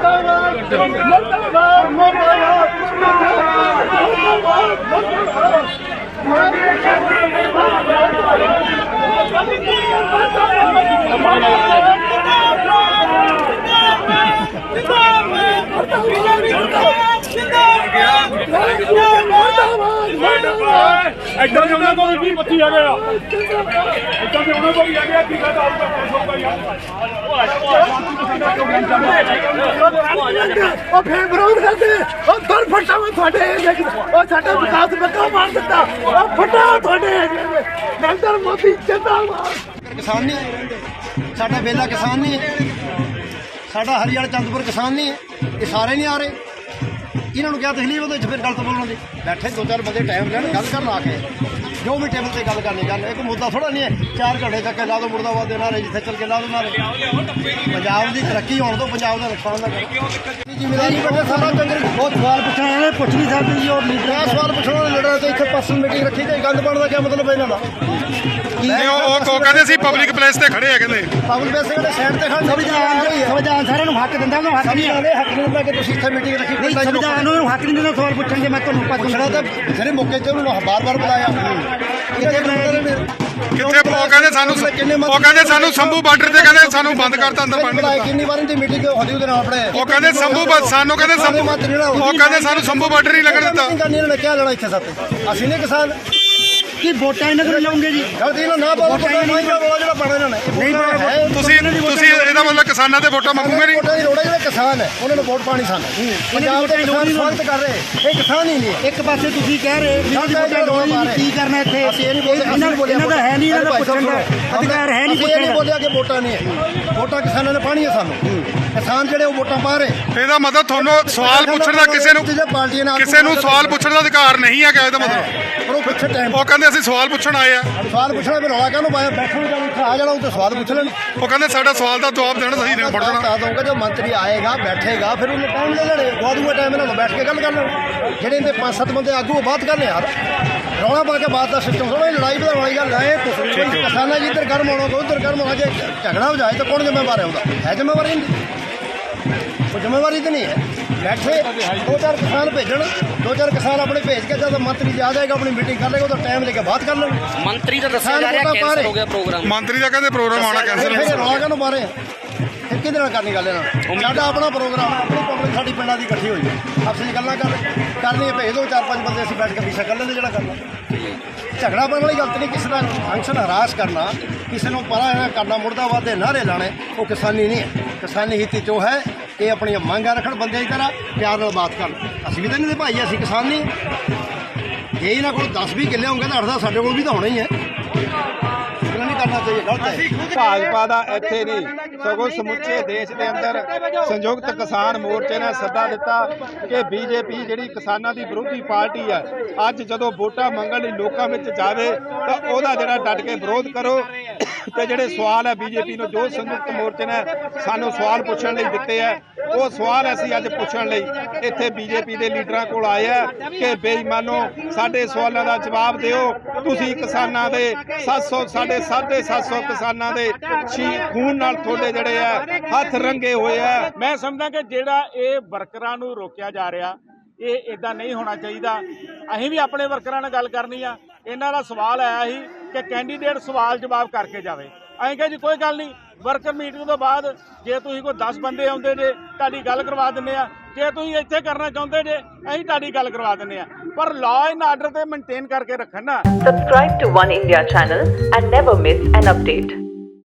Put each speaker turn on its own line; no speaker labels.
ਇੱਦਾਂ ਦੇ ਉਹਨਾਂ ਕੋਲ ਵੀ 25 ਆ ਗਿਆ ਇੱਦਾਂ ਦੇ ਉਹਨਾਂ ਕੋਲ ਵੀ ਆ ਗਿਆ ਕੀ ਗੱਲ ਆਊਗਾ 500 ਯਾਰ
ਉਹ ਫੇਰ ਵਿਰੋਧ ਕਰਦੇ ਉਹ ਦਰ ਫਟਾ ਮੈਂ ਤੁਹਾਡੇ ਉਹ ਸਾਡਾ ਵਿਕਾਸ ਬੱਕਾ ਮਾਰ ਦਿੱਤਾ ਉਹ ਫਟਾ ਤੁਹਾਡੇ ਨਰਿੰਦਰ ਮੋਦੀ ਜਿੰਦਾਬਾਦ।
ਕਿਸਾਨ ਨਹੀਂ ਹੈ ਸਾਡਾ ਵੇਲਾ, ਕਿਸਾਨ ਨਹੀਂ ਹੈ ਸਾਡਾ ਹਰੀਆਣਾ ਚੰਦਪੁਰ, ਕਿਸਾਨ ਨਹੀਂ ਹੈ। ਇਹ ਸਾਰੇ ਨਹੀਂ ਆ ਰਹੇ। ਇਹਨਾਂ ਨੂੰ ਕਿਹਾ ਤਕਲੀਫ ਉਹਦੇ ਵਿੱਚ ਫਿਰ ਗਲਤ ਬੋਲਣ ਦੀ। ਬੈਠੇ ਦੋ ਚਾਰ ਬੰਦੇ ਟਾਈਮ ਲੈਣ, ਗੱਲ ਕਰਨ ਆ ਕੇ ਜੋ ਵੀ ਟੇਬਲ ਤੇ ਗੱਲ ਕਰਨੀ ਗੱਲ। ਇੱਕ ਮੁੱਦਾ ਥੋੜਾ ਨਹੀਂ ਹੈ 4 ਘੰਟੇ ਤੱਕ ਲਾ ਦੋ ਮੁਰਦਾਬਾਦ ਦੇ ਨਾਰੇ, ਜਿੱਥੇ ਚੱਲ ਕੇ ਲਾ ਦੋ ਨਾਰੇ। ਪੰਜਾਬ ਦੀ ਤਰੱਕੀ ਹੋਣ ਤੋਂ ਪੰਜਾਬ ਦਾ ਨੁਕਸਾਨ ਨਾ ਕਰੋ। ਜ਼ਿੰਮੇਵਾਰੀ ਬੈਠੇ ਸਾਰਾ ਚੰਦਰ ਬਹੁਤ ਸਵਾਲ ਪੁੱਛਣ ਵਾਲੇ ਪੁੱਛ ਨਹੀਂ ਸਕਦੇ ਜੀ। ਉਹ ਲੀਡਰ ਸਵਾਲ ਪੁੱਛਣ ਵਾਲੇ ਲੀਡਰ ਤੇ ਇੱਥੇ ਪਰਸਨਲ ਮੀਟਿੰਗ ਰੱਖੀ ਤੇ ਗੰਦ ਪਾਉਣ ਦਾ ਕੀ ਮਤਲਬ ਇਹਨਾਂ ਦਾ?
ਉਹ ਕਹਿੰਦੇ ਸੀ ਪਬਲਿਕ ਪਲੇਸ ਤੇ ਖੜੇ ਆ, ਕਹਿੰਦੇ
ਪਬਲਿਕ ਪਲੇਸ ਤੇ ਸਾਈਡ ਤੇ ਖੜੇ।
ਸੰਵਿਧਾਨ ਸਾਰਿਆਂ ਨੂੰ ਹੱਕ ਦਿੰਦਾ, ਉਹਨੂੰ ਹੱਕ ਨਹੀਂ
ਆਉਂਦੇ ਹੱਕ ਨਹੀਂ ਹੁੰਦਾ ਕਿ ਤੁਸੀਂ ਇੱਥੇ ਮੀਟਿੰਗ ਰੱਖੀ।
ਸੰਵਿਧਾਨ ਨੂੰ ਹੱਕ ਨਹੀਂ ਦਿੰਦਾ ਸਵਾਲ ਪੁੱਛਣ ਦੇ। ਮੈਂ ਤੁਹਾਨੂੰ
ਪੁੱਛਣਾ ਤਾਂ ਜਿਹੜੇ ਮੌਕੇ ਤੇ ਉਹਨੂੰ ਬਾਰ-ਬਾਰ ਬੁਲਾਇਆ।
ਕਿੱਥੇ ਉਹ ਕਹਿੰਦੇ ਸਾਨੂੰ ਸੰਭੂ ਬਾਰਡਰ ਤੇ ਕਹਿੰਦੇ ਸਾਨੂੰ ਬੰਦ ਕਰਤਾ ਅੰਦਰ ਪਾਣੀ।
ਕਿੰਨੀ ਵਾਰ ਦੀ ਮੀਟਿੰਗ ਹੋਦੀ ਉਹਦੇ ਨਾਲ ਆਪਣੇ
ਉਹ ਕਹਿੰਦੇ ਸਾਨੂੰ ਕਹਿੰਦੇ ਸਾਨੂੰ ਸੰਭੂ ਬਾਰਡਰ ਨਹੀਂ ਲੱਗਣ ਦਿੱਤਾ।
ਇਹਨਾਂ ਨੇ ਕਿਹਾ ਲੈਣਾ ਇੱਥੇ ਸਾਤੇ ਅਸੀਂ ਨਹੀਂ ਕਿਸਾਨ
ਕੀ ਵੋਟਾਂ ਇਹਨਾਂ ਕੋਲ ਲਾਉਂਗੇ ਜੀ?
ਗਲਤੀ ਨਾਲ ਨਾ ਪਾਓ ਜਿਹੜਾ ਪਾਣਾ ਇਹਨਾਂ ਨੇ ਨਹੀਂ।
ਤੁਸੀਂ ਇਹਦਾ ਮਤਲਬ ਕਿਸਾਨਾਂ ਦੇ ਵੋਟਾਂ ਮੰਗੂਗੇ ਨਹੀਂ?
ਵੋਟਾਂ ਦੀ ਲੋੜ ਹੈ। ਜਿਹੜੇ ਕਿਸਾਨ ਹੈ ਉਹਨਾਂ ਨੂੰ ਵੋਟ ਪਾਣੀ ਸਾਨੂੰ ਪੰਜਾਬ ਦੇ ਕਿਸਾਨ ਸਵਾਗਤ ਕਰ ਰਹੇ। ਇਹ ਕਿਸਾਨ ਹੀ ਨਹੀਂ।
ਇੱਕ ਪਾਸੇ ਤੁਸੀਂ ਕਹਿ ਰਹੇ ਕੀ ਕਰਨਾ ਇੱਥੇ?
ਅਸੀਂ ਇਹ ਨਹੀਂ ਬੋਲੇ,
ਇਹਨਾਂ ਦਾ ਹੈ ਨਹੀਂ, ਇਹਨਾਂ ਦਾ ਪੁੱਛਣ ਦਾ ਅਧਿਕਾਰ ਹੈ ਨਹੀਂ।
ਇਹ ਨਹੀਂ ਬੋਲਿਆ ਕਿ ਵੋਟਾਂ ਨਹੀਂ ਹੈ। ਵੋਟਾਂ ਕਿਸਾਨਾਂ ਨੇ ਪਾਣੀ ਹੈ ਸਾਨੂੰ। ਕਿਸਾਨ ਜਿਹੜੇ ਉਹ ਵੋਟਾਂ ਪਾ ਰਹੇ।
ਇਹਦਾ ਮਤਲਬ ਤੁਹਾਨੂੰ ਸਵਾਲ ਪੁੱਛਣ ਦਾ ਕਿਸੇ ਨੂੰ ਸਵਾਲ ਪੁੱਛਣ ਦਾ ਅਧਿਕਾਰ ਨਹੀਂ ਹੈਗਾ। ਇਹਦਾ ਮਤਲਬ
ਪਰ ਉਹ ਪਿੱਛੇ ਟਾਈਮ
ਉਹ ਕਹਿੰਦੇ ਅਸੀਂ ਸਵਾਲ ਪੁੱਛਣ ਆਏ ਆ।
ਸਵਾਲ ਪੁੱਛਣਾ ਫਿਰ ਰੌਲਾ ਕਾਹਨੂੰ ਪਾਇਆ? ਬੈਠਣ ਜਾਂ ਆ ਜਾਣਾ ਉੱਥੇ ਸਵਾਲ ਪੁੱਛ ਲੈਣ।
ਉਹ ਕਹਿੰਦੇ ਸਾਡਾ ਸਵਾਲ ਦਾ ਜਵਾਬ ਦੇਣਾ ਸਹੀ ਨਹੀਂ ਪੜਨਾ।
ਬਤਾ ਦਊਂਗਾ ਜੋ ਮੰਤਰੀ ਆਏਗਾ ਬੈਠੇਗਾ ਫਿਰ ਉਹਨੂੰ ਟਾਈਮ ਦੇ ਲੈਣੇ ਗਵਾ ਦੂੰਗਾ ਟਾਈਮ ਇਹਨਾਂ ਨੂੰ ਬੈਠ ਕੇ ਗੱਲ ਕਰ ਲੈਣ। ਜਿਹੜੇ ਇਹਦੇ 5-7 ਬੰਦੇ ਆਗੂ ਬਾਤ ਕਰਨੇ ਯਾਰ। ਰੌਲਾ ਪਾ ਕੇ ਬਾਤ ਦਾ ਸਿਸਟਮ ਥੋੜਾ ਲੜਾਈ ਵਧਾਉਣ ਵਾਲੀ ਗੱਲ ਹੈ। ਕਿਸਾਨਾਂ ਜੀ ਇੱਧਰ ਗਰਮ ਹੋਣਾ ਉੱਧਰ ਗਰਮ ਹੋਣਾ। ਜੇ ਝਗੜਾ ਹੋ ਜਾਏ ਤਾਂ ਕੌਣ ਜ਼ਿੰਮੇਵਾਰ ਹੈ? ਉਹਦਾ ਹੈ ਜ਼ਿੰਮੇਵਾਰੀ ਨਹੀਂ। ਉਹ ਜ਼ਿੰਮੇਵਾਰੀ ਤਾਂ ਨਹੀਂ ਹੈ। ਬੈਠੇ 2-4 ਕਿਸਾਨ ਭੇਜਣ, 2-4 ਕਿਸਾਨ ਆਪਣੇ ਭੇਜ ਕੇ ਜਦ ਮੰਤਰੀ ਆ ਜਾਏਗਾ ਆਪਣੀ ਮੀਟਿੰਗ ਕਰ ਲੇਗਾ ਉਹਦਾ ਟਾਈਮ ਲੈ ਕੇ ਬਾਤ ਕਰ ਲੈਣ।
ਮੰਤਰੀ ਦਾ ਦੱਸਿਆ ਜਾ ਰਿਹਾ ਕੈਂਸਲ ਹੋ ਗਿਆ ਪ੍ਰੋਗਰਾਮ।
ਮੰਤਰੀ ਦਾ ਕਹਿੰਦੇ ਪ੍ਰੋਗਰਾਮ ਆਣਾ ਕੈਂਸਲ
ਹੋ ਗਿਆ। ਰੌਲਾ ਕਾਹਨੂੰ ਪਾ ਰਹੇ? ਫਿਰ ਕਿਹਦੇ ਨਾਲ ਕਰਨੀ ਗੱਲ ਇਹਨਾਂ? ਸਾਡਾ ਆਪਣਾ ਪ੍ਰੋਗਰਾਮ, ਆਪਣੀ ਪਬਲਿਕ ਸਾਡੀ ਪਿੰਡਾਂ ਦੀ ਇਕੱਠੀ ਹੋਈ ਹੈ। ਆਪਸੇ ਗੱਲਾਂ ਕਰਨੀ ਭੇਜ ਦਿਓ 4-5 ਬੰਦੇ ਅਸੀਂ ਬੈਠ ਕੇ ਪਿੱਛਾ ਕਰ ਲੈਂਦੇ ਜਿਹੜਾ ਕਰਨਾ। ਝਗੜਾ ਪਾਉਣ ਵਾਲੀ ਗਲਤ ਨਹੀਂ। ਕਿਸੇ ਦਾ ਫੰਕਸ਼ਨ ਹਰਾਸ ਕਰਨਾ, ਕਿਸੇ ਨੂੰ ਪਰਾ ਕਰਨਾ, ਮੁਰਦਾਬਾਦ ਦੇ ਨਾਅਰੇ ਲਾਣੇ, ਉਹ ਕਿਸਾਨੀ ਨਹੀਂ ਹੈ। ਕਿਸਾਨੀ ਹਿੱਤ 'ਚੋਂ ਹੈ ਕਿ ਆਪਣੀਆਂ ਮੰਗਾਂ ਰੱਖਣ, ਬੰਦੇ ਦੀ ਤਰ੍ਹਾਂ ਪਿਆਰ ਨਾਲ ਬਾਤ ਕਰਨ। ਅਸੀਂ ਵੀ ਤਾਂ ਨਹੀਂ ਦੇ ਭਾਈ, ਅਸੀਂ ਕਿਸਾਨ ਨਹੀਂ। ਜੇ ਇਹਨਾਂ ਕੋਲ 10-20 ਕਿੱਲੇ ਹੋਣਗੇ ਤਾਂ 8-10 ਸਾਡੇ ਕੋਲ ਵੀ ਤਾਂ ਹੋਣੇ ਹੀ ਹੈ। ਨਹੀਂ ਕਰਨਾ ਚਾਹੀਏ, ਗਲਤ ਹੈ।
ਭਾਜਪਾ ਦਾ ਇੱਥੇ ਨਹੀਂ ਸਗੋਂ ਸਮੁੱਚੇ ਦੇਸ਼ ਦੇ ਅੰਦਰ ਸੰਯੁਕਤ ਕਿਸਾਨ ਮੋਰਚੇ ਨੇ ਸੱਦਾ ਦਿੱਤਾ ਕਿ ਬੀਜੇਪੀ ਜਿਹੜੀ ਕਿਸਾਨਾਂ ਦੀ ਵਿਰੋਧੀ ਪਾਰਟੀ ਹੈ, ਅੱਜ ਜਦੋਂ ਵੋਟਾਂ ਮੰਗਣ ਲਈ ਲੋਕਾਂ ਵਿੱਚ ਜਾਵੇ ਤਾਂ ਉਹਦਾ ਜਿਹੜਾ ਡਟ ਕੇ ਵਿਰੋਧ ਕਰੋ। ਤੇ ਜਿਹੜੇ ਸਵਾਲ ਹੈ ਬੀਜੇਪੀ ਨੂੰ, ਜੋ ਸੰਯੁਕਤ ਮੋਰਚੇ ਨੇ ਸਾਨੂੰ ਸਵਾਲ ਪੁੱਛਣ ਲਈ ਦਿੱਤੇ ਹੈ, ਉਹ ਸਵਾਲ ਅਸੀਂ ਅੱਜ ਪੁੱਛਣ ਲਈ ਇੱਥੇ ਬੀਜੇਪੀ ਦੇ ਲੀਡਰਾਂ ਕੋਲ ਆਏ ਆ ਕਿ ਬੇਈਮਾਨੋ ਸਾਡੇ ਸਵਾਲਾਂ ਦਾ ਜਵਾਬ ਦਿਓ। ਤੁਸੀਂ ਕਿਸਾਨਾਂ ਦੇ 750 ਕਿਸਾਨਾਂ ਦੇ ਖੂਨ ਨਾਲ ਤੁਹਾਡੇ ਜਿਹੜੇ ਆ ਹੱਥ ਰੰਗੇ ਹੋਏ ਆ।
ਮੈਂ ਸਮਝਦਾ ਕਿ ਜਿਹੜਾ ਇਹ ਵਰਕਰਾਂ ਨੂੰ ਰੋਕਿਆ ਜਾ ਰਿਹਾ, ਇਹ ਇਦਾਂ ਨਹੀਂ ਹੋਣਾ ਚਾਹੀਦਾ। ਅਸੀਂ ਵੀ ਆਪਣੇ ਵਰਕਰਾਂ ਨਾਲ ਗੱਲ ਕਰਨੀ ਆ। ਇਹਨਾਂ ਦਾ ਸਵਾਲ ਆਇਆ ਸੀ ਕਿ ਕੈਂਡੀਡੇਟ ਸਵਾਲ ਜਵਾਬ ਕਰਕੇ ਜਾਵੇ। ਅਸੀਂ ਕਿਹਾ ਜੀ ਕੋਈ ਗੱਲ ਨਹੀਂ, ਵਰਕਰ ਮੀਟਿੰਗ ਤੋਂ ਬਾਅਦ ਜੇ ਤੁਸੀਂ ਕੋਈ 10 ਬੰਦੇ ਆਉਂਦੇ ਜੇ ਤੁਹਾਡੀ ਗੱਲ ਕਰਵਾ ਦਿੰਦੇ ਆ। ਜੇ ਤੁਸੀਂ ਇੱਥੇ ਕਰਨਾ ਚਾਹੁੰਦੇ ਜੇ ਅਸੀਂ ਤੁਹਾਡੀ ਗੱਲ ਕਰਵਾ ਦਿੰਦੇ ਆ, ਪਰ ਲਾਅ ਐਂਡ ਆਰਡਰ ਤੇ ਮੇਨਟੇਨ ਕਰਕੇ ਰੱਖਣ ਨਾ।
Subscribe to One India channel and never miss an update.